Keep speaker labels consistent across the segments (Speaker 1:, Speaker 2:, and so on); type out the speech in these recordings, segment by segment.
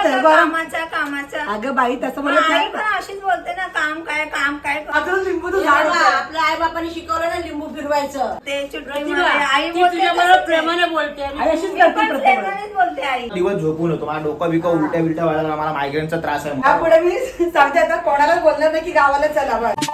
Speaker 1: बोलते
Speaker 2: कामाचा
Speaker 1: अगं बाई तसं म्हणत नाही
Speaker 2: पण अशीच बोलते ना, काम काय
Speaker 1: अजून लिंबूचं झाड होतं.
Speaker 3: आपल्या आई बापाने शिकवलं ना लिंबू फिरवायचं.
Speaker 2: ते
Speaker 3: प्रतिभा,
Speaker 2: आई
Speaker 3: ती
Speaker 2: बोलते
Speaker 3: तुझ्याबरोबर
Speaker 2: तसंच आहे.
Speaker 3: प्रेमाने बोलते.
Speaker 1: आई अशीच करते
Speaker 2: पण
Speaker 1: प्रत्येक वेळेस.
Speaker 2: प्रेमानेच बोलते आई.
Speaker 4: दिवस झोपून होतो, मला डोकं बिकं उलट्या बिलट्या व्हायला, मला मायग्रेनचा त्रास आहे.
Speaker 1: यापुढे मी सांगते आता कोणालाच बोलणार नाही की गावाला चला बस.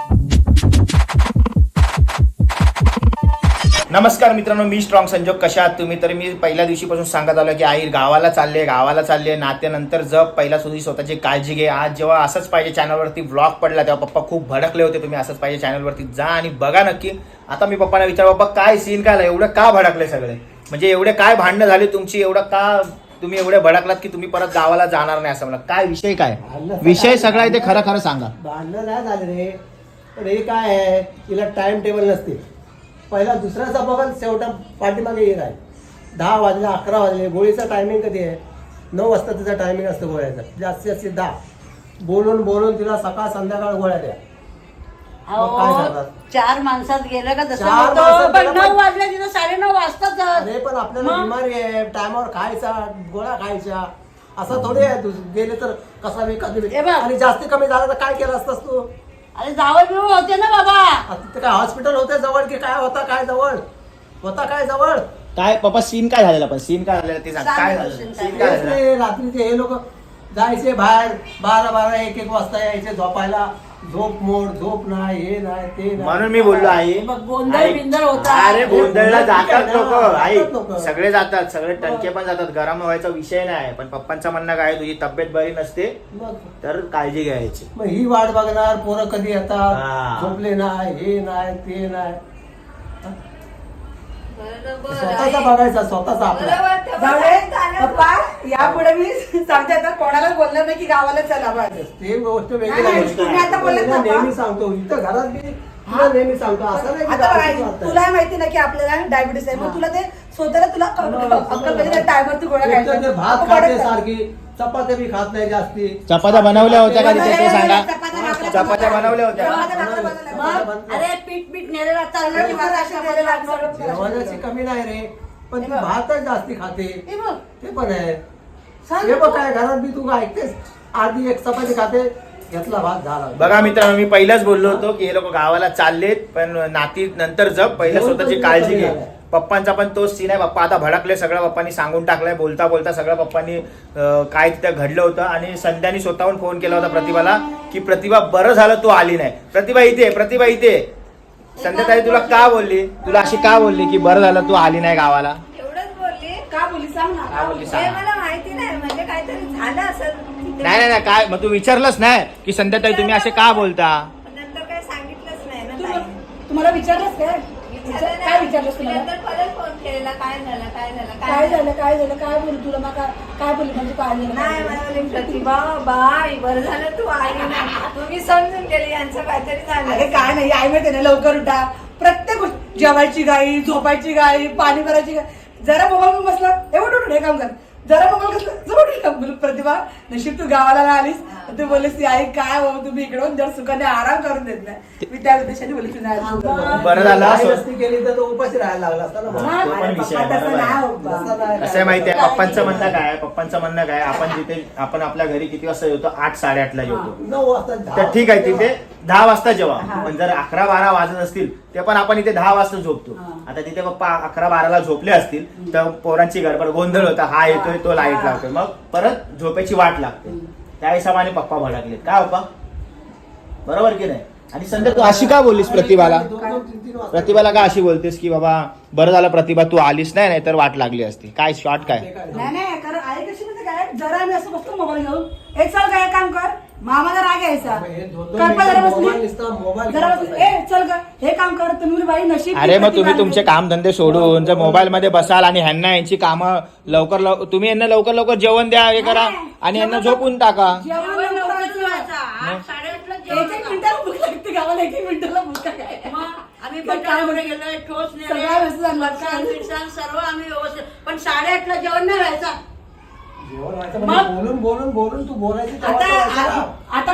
Speaker 4: नमस्कार मित्रांनो, मी स्ट्रॉंग संजोग. कशा आहात तुम्ही? तर मी पहिल्या दिवशीपासून सांगत आलो की आई गावाला चालले, नात्यानंतर जप, पहिला सुधी स्वतःची काळजी घे. आज जेव्हा असंच पाहिजे चॅनलवरती व्लॉग पडला तेव्हा पप्पा खूप भडकले होते. तुम्ही असंच पाहिजे चॅनलवरती जा आणि बघा नक्की. आता मी पप्पांना विचार, पप्पा काय सीन काय एवढं का भडकले सगळे, म्हणजे एवढे काय भांडणं झाली तुमची, एवढं का तुम्ही एवढे भडकलात की तुम्ही परत गावाला जाणार नाही असं म्हणलं? काय विषय, काय विषय सगळा आहे ते खरं खरं सांगा.
Speaker 5: भांडणं नाही झाले रे, पण हे काय आहे, तिला टाइम टेबल नसते. पहिला दुसऱ्याचा बघा, शेवटा पाठीमागे येत आहे. 10 वाजले, 11 वाजले. गोळीचा टायमिंग कधी आहे? 9 वाजता तिचा टायमिंग असतं गोळ्याचा, जास्तीत जास्त 10. बोलून तिला सकाळ संध्याकाळ गोळ्या द्या. मग काय करतात?
Speaker 3: 4 माणसात गेलं का तसं
Speaker 5: 4
Speaker 3: होतं.
Speaker 5: माणसात
Speaker 3: पण
Speaker 5: गेलं
Speaker 3: 9
Speaker 5: पण-
Speaker 3: वाजले तिथं 9:30 वाजताच.
Speaker 5: अरे पण आपल्याला बिमारी आहे, टायमावर खायचा, गोळ्या खायच्या, असं थोडी आहे. तू गेले तर कसा मी कधी
Speaker 3: हे बघ.
Speaker 5: आणि जास्ती कमी झालं तर काय केलं असतंस तू?
Speaker 3: अरे जावळ बिवळ होते ना बाबा.
Speaker 5: आता तिथे काय हॉस्पिटल होते जवळ की काय होता? काय जवळ
Speaker 4: काय पप्पा सीन काय झालेला? पण सीन काय झालेला ते सांग. काय झालं
Speaker 3: scene
Speaker 4: सीन
Speaker 3: काय
Speaker 4: काय
Speaker 5: तेच
Speaker 4: झालं?
Speaker 5: रे, रात्रीचे हे लोक जायचे बाहेर 12 1 वाजता यायचे झोपायला. झोप नाही, हे नाही ते नाही.
Speaker 4: म्हणून मी बोललो आई,
Speaker 3: बघ, गोंधळ
Speaker 4: आई-
Speaker 3: बिंधळ होता.
Speaker 4: अरे गोंधळला जातात लोक, आई
Speaker 5: जातात लोकं.
Speaker 4: सगळे जातात, सगळे टणके पण जातात. गरम व्हायचा विषय नाही, पण पप्पांचं म्हणणं काय, तुझी तब्येत बरी नसते
Speaker 5: मग
Speaker 4: तर काळजी घ्यायची.
Speaker 5: मग ही वाट बघणार, पोरं कधी
Speaker 4: हा.
Speaker 5: येतात, झोपले नाही, हे नाही ते नाही. स्वतःचा बघायचा, स्वतःचा आपला.
Speaker 1: जाऊ दे पप्पा, यापुढे मी सांगते आता कोणालाच बोलणार नाही की गावाला चला बस.
Speaker 5: ते गोष्ट वेगळी
Speaker 1: नाही,
Speaker 5: आहे.
Speaker 1: तुम्ही आता बोललात ना,
Speaker 5: तुला नेहमी सांगतो, इथं घरात मी तुला नेहमी सांगतो, असं नाही की
Speaker 1: आता
Speaker 5: गावात
Speaker 1: बघा,
Speaker 5: चालतंय.
Speaker 1: तुला माहिती ना की आपल्याला डायबिटीस आहे, मग तुला ते स्वतःला तुला अक्कल पाहिजे टायमवरती गोळ्या
Speaker 5: एक तर ते
Speaker 1: खायच्या.
Speaker 5: भात
Speaker 1: आपण
Speaker 5: खाते
Speaker 1: पडत नाही.
Speaker 5: सारखी, चपात्या बी खात नाही जास्ती.
Speaker 4: चपात्या बनवल्या होत्या का तिथे ते सांगा.
Speaker 1: चपात्या
Speaker 4: चपात्या बनवल्या होत्या का?
Speaker 1: चपात्या बनवल्या.
Speaker 3: मग अरे पीठ नेलेला चाललं की मला अशा बोलायला लागलं.
Speaker 5: जेवणाची कमी नाही रे, पण ती भातच जास्ती खाते.
Speaker 3: हे बघ.
Speaker 5: ते पण आहे.
Speaker 3: सांग
Speaker 5: हे
Speaker 3: तू.
Speaker 5: बघ काय घरात बी तू ऐकतेस, आधी एक चपाती खाते, घेतला भात झाला.
Speaker 4: बघा मित्रांनो, मी पहिलाच बोललो होतो की हे लोक गावाला चाललेत, पण नाती नंतर जप, पहिलं स्वतःची काळजी घे. पप्पांचा पण तोच सीन आहे. पप्पा आता भडकले, सगळं पप्पांनी सांगून टाकलंय. बोलता बोलता सगळं पप्पांनी काय तिथं घडलं होतं. आणि संध्यानी स्वतःहून फोन केला होता प्रतिभाला की प्रतिभा बरं झालं तू आली नाही. प्रतिभा इथे. संध्याताई तुला का बोलली, तुला अशी का बोलली की बरं झालं तू आली नाही गावाला?
Speaker 2: एवढंच बोलली.
Speaker 1: का बोली सांग ना.
Speaker 4: काय बोलली
Speaker 2: हे
Speaker 4: सांग.
Speaker 2: मला माहिती नाही, म्हणजे काहीतरी झालं असेल.
Speaker 4: नाही काय, मग तू विचारलंच नाही की संध्याताई तुम्ही असे का बोलता?
Speaker 2: पण नंतर काही सांगितलंच नाही ना
Speaker 1: तू-
Speaker 2: ताई.
Speaker 1: तुम्हाला विचारलंस काय?
Speaker 2: विचारलं
Speaker 1: काय विचारलंस
Speaker 2: नाही.
Speaker 1: तुम्हाला?
Speaker 2: नंतर परत फोन केलेला, काय झालं
Speaker 1: काय बोलू तुला? मग काय बोलली म्हणजे काय
Speaker 2: नाही
Speaker 1: झालं?
Speaker 2: मला बोलली, प्रतिभा बाई बरं झालं तू आली नाही. तुम्ही समजून गेले यांचं काहीतरी
Speaker 1: अरे
Speaker 2: झालं.
Speaker 1: काय नाही, आई माहिती ना, लवकर उठा, प्रत्येक गोष्ट, जेवायची गाई, झोपायची गाई, पाणी भरायची गाई. जरा मोबाईल बसला एवढं उठून हे काम कर, जरा मोबाईल कसला जवळ काम कर. प्रतिभा नशीब तू गावाला नाही आलीस. तू बोललीस ती आई काय हो तुम्ही इकडून जर सुखाने आराम करून देत नाही. मी त्या उद्देशाने बोलली तुझ्या
Speaker 4: बरं झालं
Speaker 5: आई
Speaker 4: असं.
Speaker 5: नसती केली तर तो उपाशी राहायला लागला असता ना.
Speaker 4: हा, तो पण विषय आहे, बरोबर आहे. कसं आहे माहितीये, पप्पांचं म्हणणं काय, आपण आपल्या घरी किती वाजता येतो? 8 साडेआठला येतो.
Speaker 5: 9 वाजता
Speaker 4: तर ठीक आहे, तिथे 10 वाजता जेवा. पण जर 11-12 वाजत असतील ते पण आपण इथे 10 वाजता झोपतो. आता तिथे पप्पा 11-12ला झोपले असतील तर पोरांची गडबड, गोंधळ होता, हा येतोय तो लाईट लावतोय, मग परत झोपेची वाट लागते. त्या हिशोबाने पप्पा भडकलेत. काय पप्पा बरोबर की नाही? आणि संध्या तू अशी का बोललीस प्रतिभाला?
Speaker 5: 2-3 वाजता
Speaker 4: प्रतिभाला का अशी बोलतेस की बाबा बरं झालं प्रतिभा तू आलीस नाही तर वाट लागली असती? काय शॉर्ट काय?
Speaker 1: नाही कारण आई कशी म्हणजे काय, जरा आम्ही असं बसतो मोबाईल घेऊन, ए चल काय काम कर, मामाला राग यायचा.
Speaker 5: हे 2-2
Speaker 1: कल्पना जरा
Speaker 5: मिनिटं मोबाईल
Speaker 1: बसली,
Speaker 5: नुसता मोबाईल
Speaker 1: जरा
Speaker 5: घेऊन
Speaker 1: बसली, ए चल का हे काम कर. तुम्ही बाई नशीब.
Speaker 4: अरे मग तुम्ही तुमचे काम धंदे सोडून जर मोबाईल मध्ये बसाल आणि ह्यांना यांची कामं तुम्ही यांना लवकर जेवण द्या, हे करा आणि यांना झोपून टाका.
Speaker 3: जेवण लवकर जेवायचा. 8-8:30ला
Speaker 1: एक
Speaker 3: जेवण
Speaker 1: एक मिनिटाला भूक लागते गावाला, एक एक मिनिटाला भूक काय.
Speaker 3: मग आम्ही
Speaker 1: तर काय
Speaker 3: बटाटे गेलोय, टोस्ट नेले,
Speaker 1: सगळ्या वस्तू आणल्या.
Speaker 3: फरसाण सर्व आम्ही व्यवस्थित. पण 8:30ला जेवण नाही व्हायचा.
Speaker 5: जेवण व्हायचं म्हणजे बोलून तू बोलायची तेव्हा
Speaker 1: आता
Speaker 5: तर व्हायचं.
Speaker 1: आता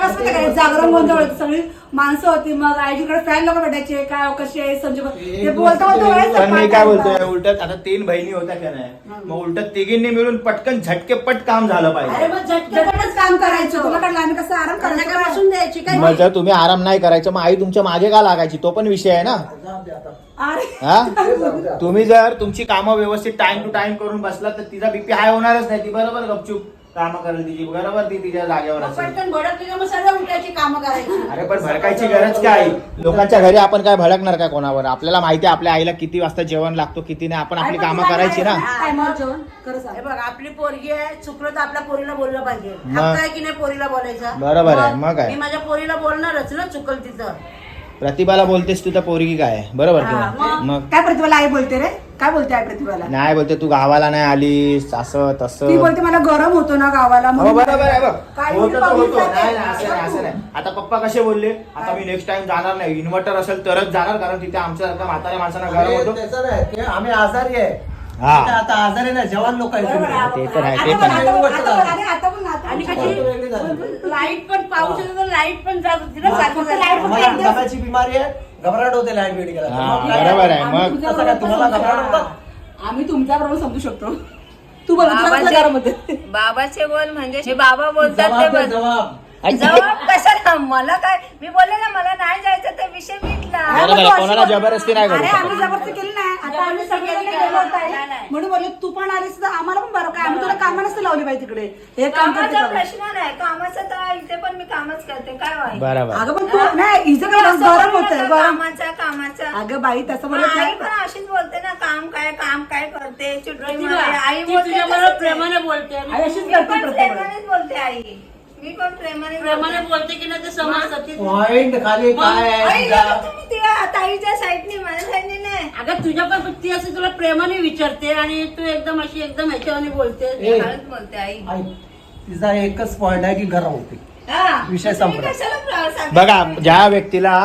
Speaker 1: कसं नाही काय जागरण गोंधळ होतं, सगळी माणसं होती, मग आईजीकडे फॅन लोक भेटायचे, काय कशी आहे संजू ते बोलता बोलता
Speaker 4: पण मी काय बोलतोय उलट आता 3 बहिणी होत्या का नाही, मग उलट तिघींनी मिळून पटकन झटकेपट काम झालं
Speaker 3: अरे
Speaker 4: पाहिजे.
Speaker 3: मग
Speaker 1: झटपटच काम करायचं, तुला काय आम्ही कसं आराम
Speaker 3: काय
Speaker 1: करायचं
Speaker 3: बसून द्यायची काय
Speaker 4: मग जर तुम्ही आराम नाही करायचं मग आई तुमच्या मागे का लागायची, तो पण विषय आहे ना.
Speaker 5: जाऊ दे आता.
Speaker 1: अरे
Speaker 4: हा तुम्ही जर तुमची कामं व्यवस्थित टाइम टू टाइम करून बसला तर तिचा बीपी हाय होणारच नाही. ती बरोबर गपचूप कामं करेल तिची, बरोबर ती तिच्या जागेवर
Speaker 3: मग
Speaker 4: असेल.
Speaker 3: पटकन भडकली का मग सर्व उठायची कामं करायची.
Speaker 4: अरे पण भडकायची गरज काय, लोकांच्या घरी आपण काय भडकणार का कोणावर. आपल्याला माहिती आहे आपल्या आईला किती वाजता जेवण लागतो किती नाही, आपण आपली कामं करायची ना.
Speaker 1: टायमावर जेवण खरं
Speaker 3: हे
Speaker 1: सांग.
Speaker 3: बघ आपली पोरगी आहे, चुकलं तर आपल्या पोरीला बोललं पाहिजे.
Speaker 4: मग?
Speaker 3: हक्क आहे की नाही पोरीला बोलायचा.
Speaker 4: बरोबर आहे, मग काय?
Speaker 3: मी माझ्या पोरीला बोलणारच ना चुकल तिचं.
Speaker 4: प्रतिभाला बोलतेस तू तर पोरगी काय आहे, बरोबर की
Speaker 3: हा,
Speaker 4: नाही? मग
Speaker 1: काय प्रतिभाला आई बोलते रे, काय बोलते आई प्रतिभाला?
Speaker 4: नाही बोलते तू गावाला नाही आलीस असं
Speaker 1: ती
Speaker 4: तसं.
Speaker 1: बोलते मला गरम होतो ना गावाला
Speaker 4: हो
Speaker 1: म्हणून.
Speaker 4: बरोबर आहे बघ,
Speaker 1: काय
Speaker 4: होतं तर
Speaker 1: पाऊस
Speaker 4: होतो.
Speaker 1: जाते.
Speaker 4: नाही नाही, असं नाही असं नाही. आता पप्पा कसे बोलले, आता मी नेक्स्ट टाइम जाणार नाही, इन्व्हर्टर असेल तरच जाणार, कारण तिथे आमच्यासारख्या म्हाताऱ्या माणसांना गरम
Speaker 5: अरे,
Speaker 4: होतो.
Speaker 5: त्याचं नाही ते आम्ही आजारी आहे.
Speaker 4: हा.
Speaker 5: ते आता आजारी नाही, जवान लोक आहेत
Speaker 3: बरोबर
Speaker 5: तुम्ही.
Speaker 3: आहे.
Speaker 4: ते तर आहे,
Speaker 1: आता
Speaker 4: ते
Speaker 1: पण-
Speaker 4: पण आहे.
Speaker 1: आता पण- आता पण- आता पण- आता पण-
Speaker 3: आणि
Speaker 5: आता
Speaker 3: कशी
Speaker 5: वेगळी झाली.
Speaker 3: लाईट पण पाऊस येतो तर लाईट पण जात होती ना
Speaker 5: मग
Speaker 3: सारखं
Speaker 1: फक्त लाईट
Speaker 3: सारखं.
Speaker 1: फक्त
Speaker 5: आम्हाला डब्याची बिमारी आहे, घबराट होते लाईट वेट गेला.
Speaker 4: हा,
Speaker 5: मग
Speaker 4: बरोबर आहे.
Speaker 1: आम्ही
Speaker 4: मग
Speaker 1: तुझ्या
Speaker 5: कसं काय,
Speaker 1: बरोबर
Speaker 5: तुम्हाला
Speaker 1: समजू
Speaker 5: घबराट
Speaker 1: शकतो.
Speaker 5: होतं?
Speaker 1: आम्ही तुमच्या बरोबर समजू शकतो. तू बोल तुला कसं गरम होते?
Speaker 2: बाबाचे बोल म्हणजे जे बाबा बोलतात ते
Speaker 5: जबाब दे,
Speaker 2: बस.
Speaker 5: जबाब.
Speaker 2: जबाब कशाला, मला काय, मी बोलले ना मला नाही जायचं तर विषय मिटला.
Speaker 4: बरोबर आहे, कोणाला जबरदस्ती नाही करू
Speaker 1: अरे
Speaker 4: शकत.
Speaker 1: आम्ही जबरदस्ती केली नाही, आता आम्ही सगळे
Speaker 2: केली
Speaker 1: गेलो
Speaker 2: नाही.
Speaker 1: होतो आई.
Speaker 2: नाही, नाही.
Speaker 1: म्हणून बोलले तू पण आलीस तर आम्हाला पण बरं काय, आम्ही तुला कामं नसते लावली पाहिजे तिकडे, हे काम करते
Speaker 2: कामाचा
Speaker 1: का?
Speaker 2: प्रश्न नाही, कामाचा तर इथे पण मी कामच करते, काय व्हायचं.
Speaker 4: बरोबर.
Speaker 1: अगं पण तू नाही हिचं काय
Speaker 2: असं
Speaker 1: गरम
Speaker 2: बोलू
Speaker 1: होतंय
Speaker 2: नका,
Speaker 1: गरम.
Speaker 2: कामाचा
Speaker 1: अगं बाई तसं बोलत
Speaker 2: आई
Speaker 1: नाही.
Speaker 2: पण अशीच बोलते ना, काम काय करते चुटकी
Speaker 3: प्रतिभा,
Speaker 2: मारते. आई
Speaker 3: ती
Speaker 2: बोलते
Speaker 3: तुझ्याबरोबर
Speaker 2: तसंच आहे.
Speaker 3: प्रेमाने बोलते.
Speaker 1: आई अशीच
Speaker 2: मी
Speaker 1: करते
Speaker 2: पण
Speaker 1: प्रत्येक
Speaker 2: प्रेमानेच बोलते आई, मी पण प्रेमाने
Speaker 3: प्रेमाने
Speaker 2: बोलते.
Speaker 3: बोलते की नाही ते समजतात ती.
Speaker 5: पॉइंट खाली काय आहे
Speaker 2: आई,
Speaker 5: तुझा?
Speaker 2: आता तुम्ही त्या ताईच्या साईडने माझ्या साईडने नाही.
Speaker 3: अगं तुझ्या पण ती अशी तुला प्रेमाने विचारते आणि तू एकदम अशी एकदम ह्याच्यावानी बोलते.
Speaker 5: ए,
Speaker 2: हळद बोलते आई.
Speaker 5: आई, तिचा एकच पॉइंट आहे की गरम होते.
Speaker 2: हा.
Speaker 5: विषय
Speaker 2: तुम्ही
Speaker 5: संपला.
Speaker 2: कशाला सांगता?
Speaker 4: बघा, ज्या व्यक्तीला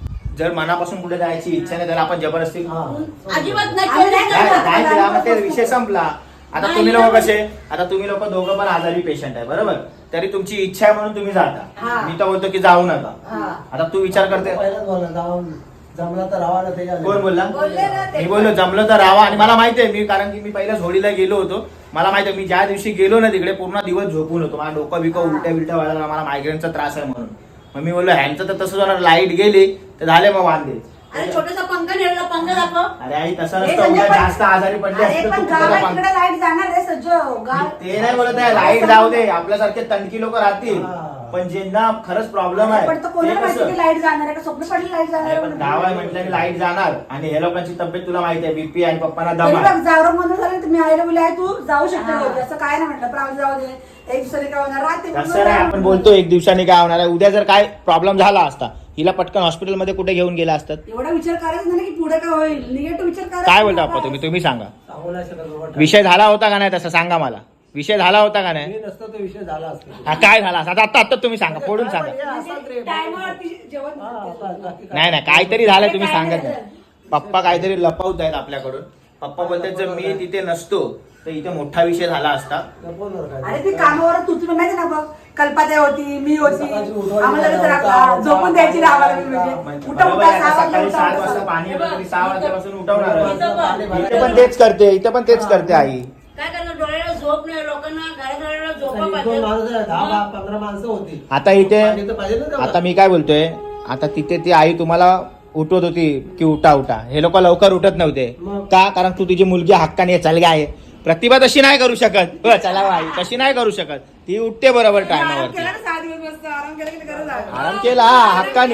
Speaker 4: जर मनापासून कुठे जायची इच्छा नाही त्याला आपण जबरदस्ती
Speaker 5: हा.
Speaker 3: अजिबात नाही
Speaker 1: आम्ही
Speaker 3: केली
Speaker 1: नाही
Speaker 3: नाही.
Speaker 1: करत.
Speaker 4: काय केला मग ते विषय संपला. आता
Speaker 3: नाही,
Speaker 4: तुम्ही लोक
Speaker 3: नाही.
Speaker 4: कसे, आता तुम्ही लोक दोघं पण आजारी पेशंट आहे बरोबर, तरी तुमची इच्छा आहे म्हणून तुम्ही जाता.
Speaker 1: हा.
Speaker 4: मी तर बोलतो की जाऊ नका.
Speaker 1: हा.
Speaker 4: आता तू विचार करते,
Speaker 5: पहिलाच बोलला जाऊन जमला तर राहा ना त्याच्या
Speaker 4: कोण बोलला?
Speaker 2: बोलले ना ते.
Speaker 4: मी बोललो जमलं तर राहा. आणि मला माहिती आहे, मी कारण की मी पहिल्याच होळीला गेलो होतो, मला माहिती आहे मी ज्या दिवशी गेलो ना तिकडे पूर्ण दिवस झोपून होतो. मला डोकं बिकं उलट्या बिलट्या व्हायला लागला, मला मायग्रेनचा त्रास आहे म्हणून. मग मी बोललो ह्यांचं तर तसंच होणार, लाईट गेली तर झाले मग वांदे.
Speaker 3: अरे छोटासा पंखा नेलेला पंखा दाखव.
Speaker 4: अरे आई तसं
Speaker 1: हे
Speaker 4: नसतं,
Speaker 1: म्हणजे
Speaker 4: उद्या
Speaker 1: पण-
Speaker 4: जास्त आजारी पडले
Speaker 1: अरे
Speaker 4: असते
Speaker 1: पण
Speaker 4: तर तुला
Speaker 1: गावात
Speaker 4: पण-
Speaker 1: तिकडे लाईट जाणार रे सज्ज गाव.
Speaker 4: ते नाही बोलत आहे, लाईट जाऊ दे, आपल्यासारखे तणकी लोक राहतील,
Speaker 5: हा.
Speaker 4: पण ज्यांना खरंच प्रॉब्लेम आहे
Speaker 1: पण तो कोणाला
Speaker 4: ते
Speaker 1: माहिती
Speaker 4: कसं?
Speaker 1: की लाईट जाणार आहे का, स्वप्न पडली लाईट जाणार
Speaker 4: नाही,
Speaker 1: आहे
Speaker 4: पण
Speaker 1: म्हणून.
Speaker 4: गाव आहे म्हटलं की लाईट जाणार, आणि हे लोकांची तब्येत तुला माहिती आहे, बीपी आणि पप्पांना दम
Speaker 1: तरी
Speaker 4: आहे.
Speaker 1: बघ जागरण बंद झालं तर मी आईला बोलले आई तू जाऊ शकते घरी. असं काय नाही म्हटलं प्राण जाऊ दे, एक दिवसाने काय होणार राहते
Speaker 4: तसं नाही, आपण बोलतो एक दिवसाने काय होणार आहे, उद्या जर काय प्रॉब्लेम झाला असता हिला पटकन हॉस्पिटलमध्ये कुठे घेऊन गेला असतात.
Speaker 1: एवढा विचार करायचा नाही की पुढे काय होईल, निगेटिव्ह विचार करायचा.
Speaker 4: काय बोलता अप्पा तुम्ही सांगा,
Speaker 5: सांगू नाही शकत बाबा.
Speaker 4: विषय झाला होता का नाही तसं सांगा मला, विषय झाला होता का नाही?
Speaker 5: मी नसतो तो विषय झाला असतो.
Speaker 4: हा, काय झाला असता आता आता तुम्ही सांगा, फोडून
Speaker 5: काय पण
Speaker 4: सांगा.
Speaker 5: हे असंच रे.
Speaker 1: टायमावरती जेवण
Speaker 5: हा, बाकी काय.
Speaker 4: नाही नाही, काहीतरी झालंय तुम्ही
Speaker 1: काय
Speaker 4: सांगत
Speaker 1: झालं?
Speaker 4: नाही. पप्पा काहीतरी लपवत आहेत आपल्याकडून. पप्पा बोलतात जर मी तिथे नसतो तर इथे मोठा विषय झाला असता.
Speaker 5: लपवणार काय?
Speaker 1: अरे ती कामावर तू तुला माहिती ना बघ, कल्पात्या होती, मी होती,
Speaker 5: सकाळची उठवायची
Speaker 1: आम्हाला
Speaker 5: नाही,
Speaker 1: कसं
Speaker 5: उठा,
Speaker 1: राखला,
Speaker 5: उठा,
Speaker 1: झोपून द्यायची ना आम्हाला
Speaker 5: उठा,
Speaker 1: म्हणजे
Speaker 4: बरोबर
Speaker 1: उठा
Speaker 4: आहे, आता
Speaker 1: 6 वाजता
Speaker 4: सकाळी 7
Speaker 1: उठा.
Speaker 4: वाजता पाणी येतं, तरी 6 वाजल्यापासून उठवणार.
Speaker 5: इथं
Speaker 4: इथे पण तेच करते, इथे पण तेच करते आई.
Speaker 3: काय करणार, डोळ्याला झोप नाही, लोकांना घराघराला झोपा
Speaker 5: एक दोन
Speaker 3: पाहिजे.
Speaker 5: माणसं आहे, 10-15 माणसं होती.
Speaker 4: आता इथे
Speaker 5: पाणी तर पाहिजे ना तेवढं.
Speaker 4: आता मी काय बोलतोय, आता तिथे ती आई तुम्हाला उठवत होती की उठा उठा, हे लोक लवकर उठत नव्हते
Speaker 5: मग?
Speaker 4: का, कारण तू तुझी मुलगी हक्काने चल गाय. प्रतिभा तशी नाही करू शकत, हो, चला बाई तशी नाही करू शकत, ती उठते बरोबर
Speaker 1: आराम
Speaker 4: टायमावरती.
Speaker 1: केला ना 6 दिवस मस्त आराम केला की गरज आहे.
Speaker 4: आराम केला, हा,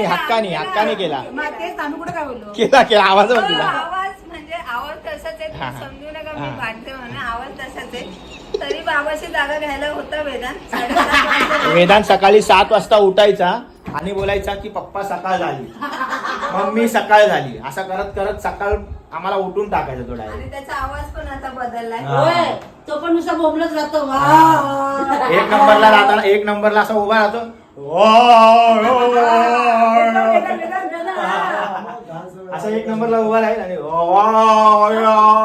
Speaker 4: हक्काने केला,
Speaker 1: मग तेच आम्ही कुठे काय बोललो.
Speaker 4: केला आवाज बघ तिला.
Speaker 2: आवाज म्हणजे आवाज तसाच आहे,
Speaker 4: हा.
Speaker 2: तुम्ही समजू नका मी
Speaker 4: हा.
Speaker 2: भांडते म्हणून, आवाज तसाच आहे. तरी बाबाची जागा घ्यायला होता वेदांत 7:30
Speaker 4: वेदांत सकाळी 7 वाजता उठायचा आणि बोलायचा की पप्पा सकाळ झाली, मम्मी सकाळ झाली, असं करत करत सकाळ आम्हाला उठून टाकायचं तो डायरेक्ट.
Speaker 2: आणि त्याचा आवाज पण आता बदललाय.
Speaker 4: हा.
Speaker 3: होय, तो पण नुसता बोंबलत राहतो. वा.
Speaker 4: एक नंबरला राहताना एक नंबरला असा उभा राहतो. असं एक नंबरला उभा राहील आणि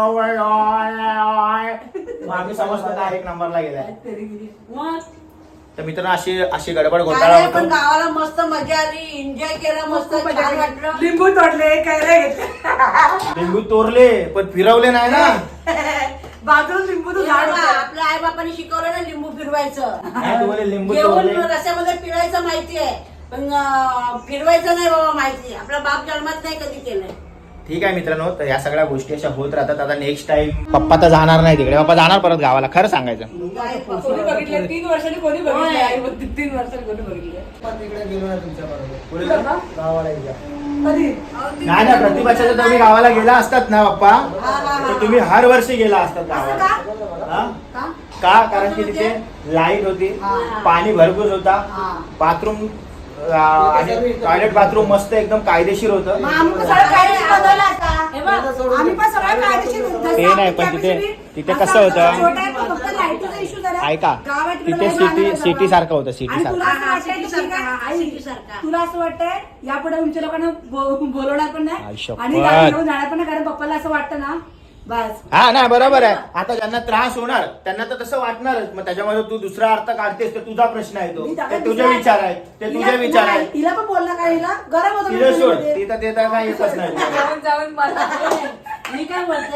Speaker 4: मग आम्ही समजतो का एक नंबरला गेलाय.
Speaker 3: मग
Speaker 4: तर मित्रांनो अशी अशी गडबड घोटाळा
Speaker 3: काय पण
Speaker 4: होतो.
Speaker 3: गावाला मस्त मजा आली, एन्जॉय केला, मस्त
Speaker 1: खूप मजा
Speaker 3: छान
Speaker 1: केली.
Speaker 3: वाटलं.
Speaker 1: लिंबू तोडले कैऱ्या घेतल्या
Speaker 4: लिंबू तोरले पण फिरवले नाही ना.
Speaker 1: बाजूला लिंबूचं झाड
Speaker 3: बघा,
Speaker 1: होतं.
Speaker 3: आपल्या आई बापाने शिकवलं ना लिंबू फिरवायचं.
Speaker 4: नाही, तुम्हाला लिंबू
Speaker 3: घेऊन
Speaker 4: तोरले.
Speaker 3: रस्त्यामध्ये पिळायचं माहितीये, पण फिरवायचं नाही बाबा माहिती. आपला बाप जन्मात नाही कधी केलंय.
Speaker 4: ठीक आहे मित्रांनो, तर या सगळ्या गोष्टी अशा होत राहतात. आता नेक्स्ट टाइम पप्पा तर जाणार नाही तिकडे, पप्पा जाणार परत गावाला, खरं सांगायचं.
Speaker 1: कोणी बघितलं 3 वर्षांनी कोणी बघितलं आई बघ, 3 वर्षांनी कोणी बघितलं
Speaker 5: पण तिकडे गेलो ना तुमच्या बरोबर
Speaker 4: पुढे
Speaker 1: कुठं बा?
Speaker 5: गावाला एकदा.
Speaker 1: कधी
Speaker 4: नाही ना, प्रतिभाच्या तुम्ही गावाला गेला असतात ना पप्पा, तर तुम्ही हर वर्षी गेला असतात
Speaker 1: असं
Speaker 4: गावाला.
Speaker 1: का?
Speaker 4: हा? का? कारण की तिथे लाईट होती, पाणी भरपूर होता, बाथरूम आणि टॉयलेट बाथरूम मस्त एकदम कायदेशीर होतं.
Speaker 1: मग आम्ही पण सगळं कायदेशीर बनवलं आता.
Speaker 3: हे बघ,
Speaker 1: आम्ही पण सगळं कायदेशीर जसं
Speaker 4: ते नाही,
Speaker 1: आपण
Speaker 4: पण तिथे-
Speaker 1: capacity
Speaker 4: तिथे
Speaker 1: असा
Speaker 4: कसं होतं?
Speaker 1: छोटा आहे, पण फक्त लाईटीचा इश्यू झाला.
Speaker 4: ऐका,
Speaker 1: गाव आहे तिकडे
Speaker 4: तिथे
Speaker 1: लाईट
Speaker 4: सिटी
Speaker 1: लागणार
Speaker 4: सिटी
Speaker 1: सगळं.
Speaker 4: सारखं होतं, सिटी
Speaker 1: आणि
Speaker 4: सारखं.
Speaker 1: तुला असं
Speaker 3: हा,
Speaker 1: वाटतंय
Speaker 3: सिटी
Speaker 1: की ठीक आहे,
Speaker 3: सारखं,
Speaker 1: आई,
Speaker 3: सिटी सारखं.
Speaker 1: तुला असं वाटतंय यापुढे तुमच्या लोकांना बोलवणार पण
Speaker 4: आई
Speaker 1: नाही
Speaker 4: शपथ.
Speaker 1: आणि गाडी घेऊन जाणार पण नाही, कारण पप्पाला असं वाटतं ना बस.
Speaker 4: हा नाही बरोबर आहे. आता ज्यांना त्रास होणार त्यांना तर तसं वाटणारच. मग त्याच्यामध्ये तू दुसरा अर्थ काढतेस, तर तुझा प्रश्न आहे तो.
Speaker 1: मी
Speaker 4: ते
Speaker 1: त्याला
Speaker 4: तुझे
Speaker 1: दुसरा-
Speaker 4: विचार आहेत, ते तुझे
Speaker 1: हिला-
Speaker 4: विचार
Speaker 1: नाही,
Speaker 4: आहेत.
Speaker 1: हिला पण बोलला का हिला गरम होतं
Speaker 4: तिला सोड,
Speaker 1: मध्ये.
Speaker 4: ती तर ते तर काही येतच नाही.
Speaker 1: जाऊन जाऊन मला
Speaker 3: मी काय बोलते,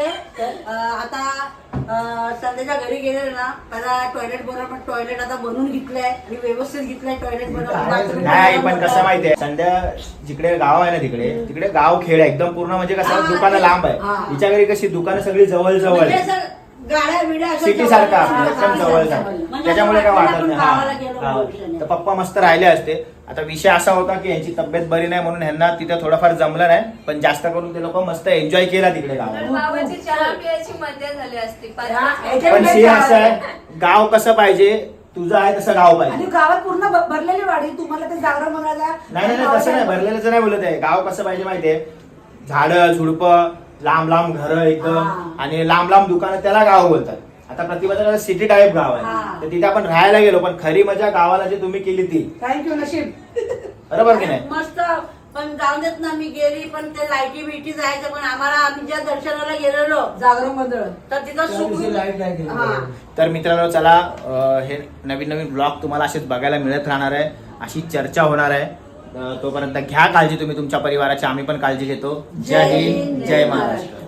Speaker 3: आता संध्याच्या घरी गेले ना, पहिला टॉयलेट बनवलं, टॉयलेट आता बनवून घेतलंय आणि व्यवस्थित घेतलंय टॉयलेट बनवलं.
Speaker 4: नाही पण कसं माहितीये, संध्या जिकडे गाव आहे ना तिकडे तिकडे गाव खेळ आहे एकदम पूर्ण. म्हणजे कसं
Speaker 3: हा,
Speaker 4: दुकानं लांब आहे.
Speaker 3: हा.
Speaker 4: हिच्या घरी कशी दुकानं सगळी जवळ जवळ
Speaker 3: म्हणजे
Speaker 4: आहे,
Speaker 3: असं गाड्या बिड्या अशा
Speaker 4: सिटी
Speaker 3: जवळ-
Speaker 4: सारखा
Speaker 3: हा,
Speaker 4: एकदम
Speaker 3: हा,
Speaker 4: जवळ
Speaker 3: हा,
Speaker 4: आहे.
Speaker 3: म्हणजे
Speaker 4: त्याच्यामुळे काय
Speaker 3: असं
Speaker 4: वाटत
Speaker 3: आपण
Speaker 4: नाही.
Speaker 3: गावाला
Speaker 4: हा,
Speaker 3: गेलो
Speaker 4: हा.
Speaker 3: भविष्याने.
Speaker 4: तर पप्पा मस्त राहिले असते. आता विषय असा होता की यांची तब्येत बरी नाही म्हणून ह्यांना तिथे थोडंफार जमलं नाही, पण जास्त करून ते लोक मस्त एन्जॉय केला तिकडे
Speaker 2: तर
Speaker 4: गावाला.
Speaker 2: बाबाची चहा पियाची मजा झाली असती
Speaker 4: पण सीन असं आहे, गाव कसं पाहिजे, तुझं आहे तसं गाव
Speaker 1: आणि
Speaker 4: पाहिजे.
Speaker 1: गावात पूर्ण भरलेली वाडी, तुम्हाला ते जागरण बनवायला
Speaker 4: नाही नाही नाही, तसं नाही, भरलेलं नाही बोलत आहे. गाव कसं पाहिजे माहितीये, झाडं झुडपं, लांब लांब घरं एकदम,
Speaker 3: हा.
Speaker 4: आणि लांब लांब दुकानं, त्याला गाव बोलतात. आता प्रतिभाचं सिटी टाईप गाव आहे,
Speaker 3: हा.
Speaker 4: तर तिथे आपण राहायला गेलो, पण खरी मजा गावाला जी तुम्ही केली ती.
Speaker 1: थँक्यू नशीब.
Speaker 4: बरोबर की नाही?
Speaker 3: मस्त. पण जाऊन देत ना, मी गेली पण ते लाईटी बिटी जायचं, पण आम्हाला आम्ही ज्या दर्शनाला गेलेलो
Speaker 1: जागरण गोंधळ
Speaker 3: तर तिथं
Speaker 5: त्या दिवशी
Speaker 3: सुखी
Speaker 5: लाईट नाही गेली.
Speaker 3: हा.
Speaker 4: तर मित्रांनो चला, हे नवीन नवीन ब्लॉग तुम्हाला असेच बघायला मिळत राहणार आहे, अशी चर्चा होणार आहे. तोपर्यंत घ्या काळजी तुम्ही तुमच्या परिवाराची, आम्ही पण काळजी घेतो. जय हिंद, जय महाराष्ट्र.